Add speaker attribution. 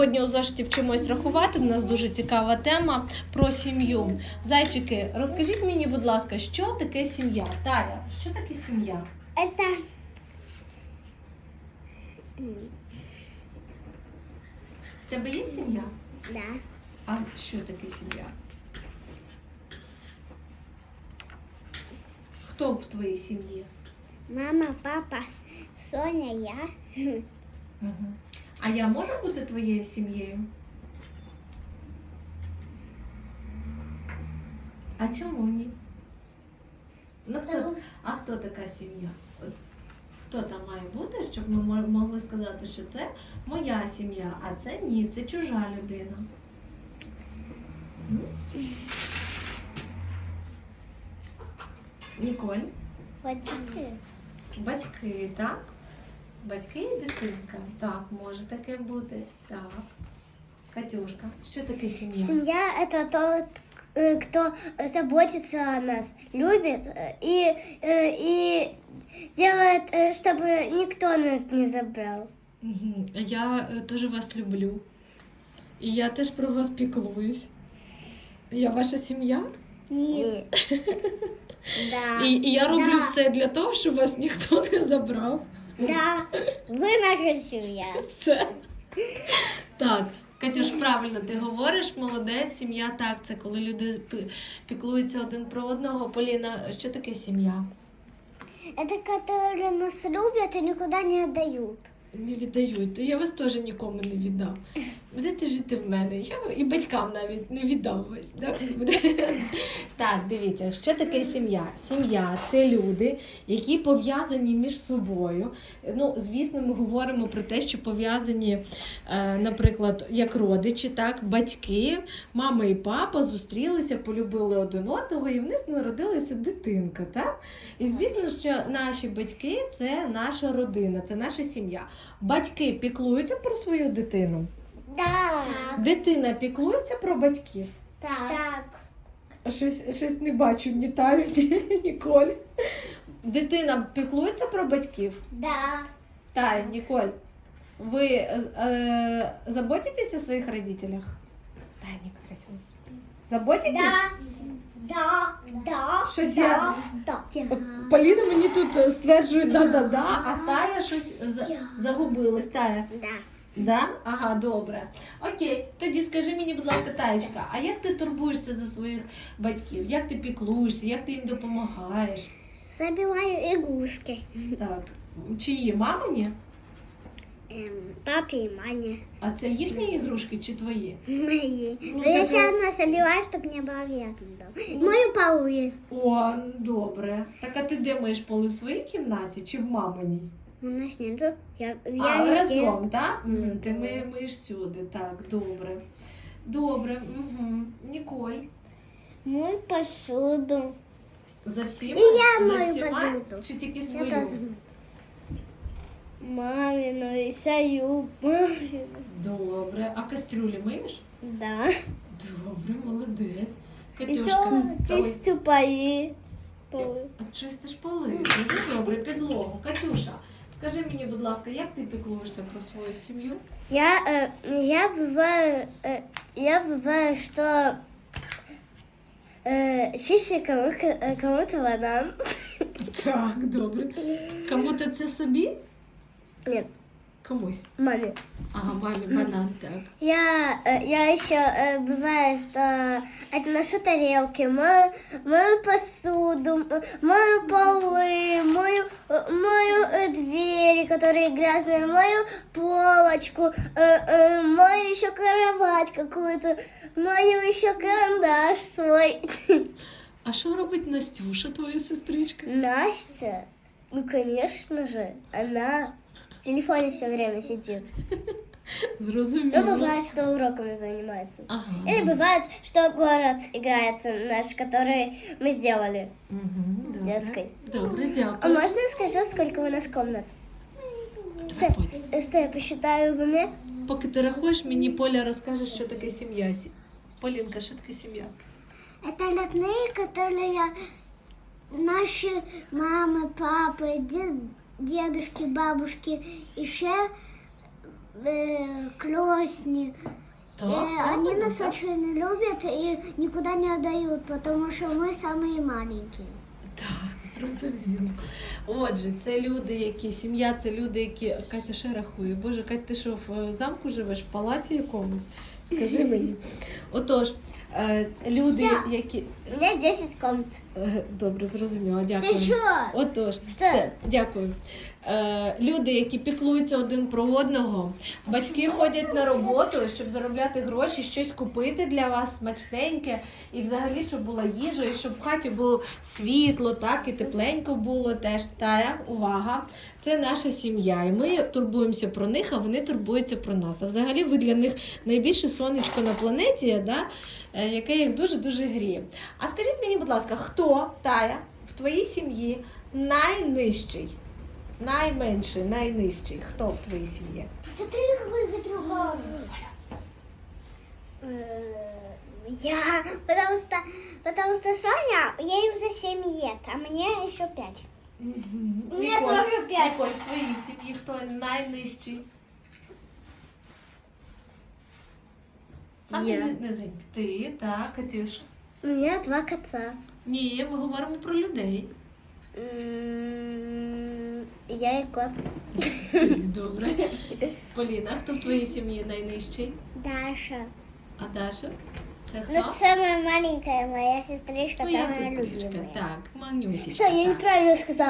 Speaker 1: Сьогодні у зошиті вчимось рахувати, у нас дуже цікава тема про сім'ю. Зайчики, розкажіть мені, будь ласка, що таке сім'я? Тая, що таке сім'я?
Speaker 2: Это
Speaker 1: В тебе є сім'я?
Speaker 2: да.
Speaker 1: А що таке сім'я? Хто в твоїй сім'ї?
Speaker 2: Мама, папа, Соня, я.
Speaker 1: Угу. А я можу бути твоєю сім'єю? А чому ні? Ну, хто така сім'я? От, хто там має бути, щоб ми могли сказати, що це моя сім'я, а це ні, це чужа людина. Ніколь?
Speaker 2: Водитель.
Speaker 1: Батьки, так? Батьки і дитинка. Так, може таке бути. Так. Катюшка, що таке сім'я?
Speaker 2: Семья – это тот, кто заботится о нас, любит и делает, чтобы никто нас не забрал.
Speaker 1: Угу. Я теж вас люблю. І я теж про вас піклуюсь. Я ваша сім'я?
Speaker 2: Нет. Да.
Speaker 1: І я роблю
Speaker 2: Да.
Speaker 1: все для того, щоб вас ніхто не забрав.
Speaker 2: Да. Вы наша семья.
Speaker 1: Все. Так, Катюш, правильно ти говориш, молодець, сім'я, так, це коли люди піклуються один про одного. Поліна, що таке сім'я?
Speaker 2: Это которые нас любят и никуда не отдают.
Speaker 1: Не віддають, то я вас теж нікому не віддам. Будете жити в мене, я і батькам навіть не віддам вас. Так, дивіться, що таке сім'я? Сім'я – це люди, які пов'язані між собою. Ну, звісно, ми говоримо про те, що пов'язані, наприклад, як родичі, так, батьки, мама і папа зустрілися, полюбили один одного, і в них народилася дитинка, так? І звісно, що наші батьки – це наша родина, це наша сім'я. Батьки піклуються про свою дитину.
Speaker 2: Да.
Speaker 1: Дитина піклується про батьків.
Speaker 2: Так.
Speaker 1: Щось не бачу, ні Таю, ні Ніколь. Дитина піклується про батьків?
Speaker 2: Да.
Speaker 1: Тая, Ніколь, ви заботитесь о своїх родителях? Тая, Ніколь, заботитесь?
Speaker 2: Да.
Speaker 1: Щось
Speaker 2: да.
Speaker 1: я...
Speaker 2: Да.
Speaker 1: От Поліна мені тут стверджує да-да-да, а Тая щось загубилась. Тая?
Speaker 2: Да.
Speaker 1: Да? Ага, добре. Окей, тоді скажи мені, будь ласка, Таєчка, а як ти турбуєшся за своїх батьків? Як ти піклуєшся, як ти їм допомагаєш?
Speaker 2: Забиваю игрушки.
Speaker 1: Так, чиї, мамині?
Speaker 2: Папе и маме.
Speaker 1: А це їхні ігрушки чи твої?
Speaker 2: Мои.
Speaker 1: Ну,
Speaker 2: Но я
Speaker 1: так
Speaker 2: сейчас одна забиваю, чтобы не было грязно. Мою полы.
Speaker 1: О, добре. Так, а ти де миєш поли, в своїй кімнаті чи в маминій?
Speaker 2: У нас нету. Я
Speaker 1: А,
Speaker 2: везде.
Speaker 1: разом, так? Ти миєш всюди, так, добре. Добре, угу. Ніколь.
Speaker 2: Мою посуду.
Speaker 1: За всіма?
Speaker 2: І я
Speaker 1: За
Speaker 2: мою
Speaker 1: всіма?
Speaker 2: посуду.
Speaker 1: Чи тільки
Speaker 2: Я
Speaker 1: свою?
Speaker 2: тоже. Мамину и свою. Мамину.
Speaker 1: Добре. А кастрюлі миєш?
Speaker 2: Да.
Speaker 1: Добре, молодець.
Speaker 2: И
Speaker 1: Катюшка.
Speaker 2: все чистю полы.
Speaker 1: А чистиш поли? Дуже добре, підлогу. Катюша, скажи мені, будь ласка, як ти піклуєшся про свою сім'ю?
Speaker 2: Я бываю, что чище кому-то банан.
Speaker 1: Так, добре. Кому-то це собі?
Speaker 2: Нет,
Speaker 1: Комусь.
Speaker 2: маме.
Speaker 1: Ага, мамі банан, так.
Speaker 2: Я еще бывает, что отношу тарелки, мою посуду, мою полы, мою двери, которые грязные, мою полочку, мою еще кровать какую-то, мою еще карандаш свой.
Speaker 1: А що робить Настюша, твоя сестричка?
Speaker 2: Настя, ну конечно же, она в телефоне все время сидит.
Speaker 1: Зрозуміло.
Speaker 2: Ну, бывает, что уроками занимается.
Speaker 1: Ага.
Speaker 2: Или бывает, что город играется наш, который мы сделали.
Speaker 1: Угу, добре.
Speaker 2: Детской.
Speaker 1: Добре,
Speaker 2: А
Speaker 1: дякую.
Speaker 2: можно я скажу, сколько у нас комнат?
Speaker 1: Давай, Поль.
Speaker 2: Стой, я посчитаю в уме.
Speaker 1: Поки ти рахуєш, мені Поля розкаже, що таке сім'я. Полінка, що таке сім'я?
Speaker 2: Это родные, которые наши мамы, папы, дедушки, бабушки, еще классные.
Speaker 1: Так,
Speaker 2: Они
Speaker 1: правильно,
Speaker 2: нас
Speaker 1: так?
Speaker 2: очень любят и никуда не отдают, потому что мы самые маленькие.
Speaker 1: Так, зрозуміло. Отже, це люди, які сім'я, це люди, які Катя ще рахує. Боже, Катя, ти що в замку живеш, в палаці якомусь? Скажи мені. Отож, люди, які.
Speaker 2: У меня 10 комнат.
Speaker 1: Добре, зрозуміло, дякую.
Speaker 2: Ты что?
Speaker 1: Отож, все, дякую. Люди, які піклуються один про одного, батьки ходять на роботу, щоб заробляти гроші, щось купити для вас смачненьке, і взагалі, щоб була їжа, і щоб в хаті було світло, так, і тепленько було теж. Тая, увага, це наша сім'я, і ми турбуємося про них, а вони турбуються про нас. А взагалі ви для них найбільше сонечко на планеті, да, яке їх дуже-дуже гріє. А скажіть мені, будь ласка, хто, Тая, в твоїй сім'ї найнижчий? Найменший, найнижчий. Хто в твоїй сім'ї?
Speaker 2: Посмотри, какой ветруган. Я, потому что Соня, ей уже 7 лет, а мне еще 5. У мене теж 5.
Speaker 1: Ніколь, в твоїй сім'ї хто найнижчий? Саме
Speaker 2: Я.
Speaker 1: низенький. Ти, так, Катюша.
Speaker 2: У меня 2 кота.
Speaker 1: Ні, ми говоримо про людей.
Speaker 2: Я и кот.
Speaker 1: Добре. Поліна, хто в твоїй сім'ї найнижчий?
Speaker 2: Даша.
Speaker 1: А Даша? Це
Speaker 2: Ну,
Speaker 1: хто?
Speaker 2: самая маленькая моя сестричка,
Speaker 1: Твоя
Speaker 2: самая
Speaker 1: сестричка.
Speaker 2: любимая.
Speaker 1: Так, манюсічка.
Speaker 2: Что, я
Speaker 1: так.
Speaker 2: неправильно сказала.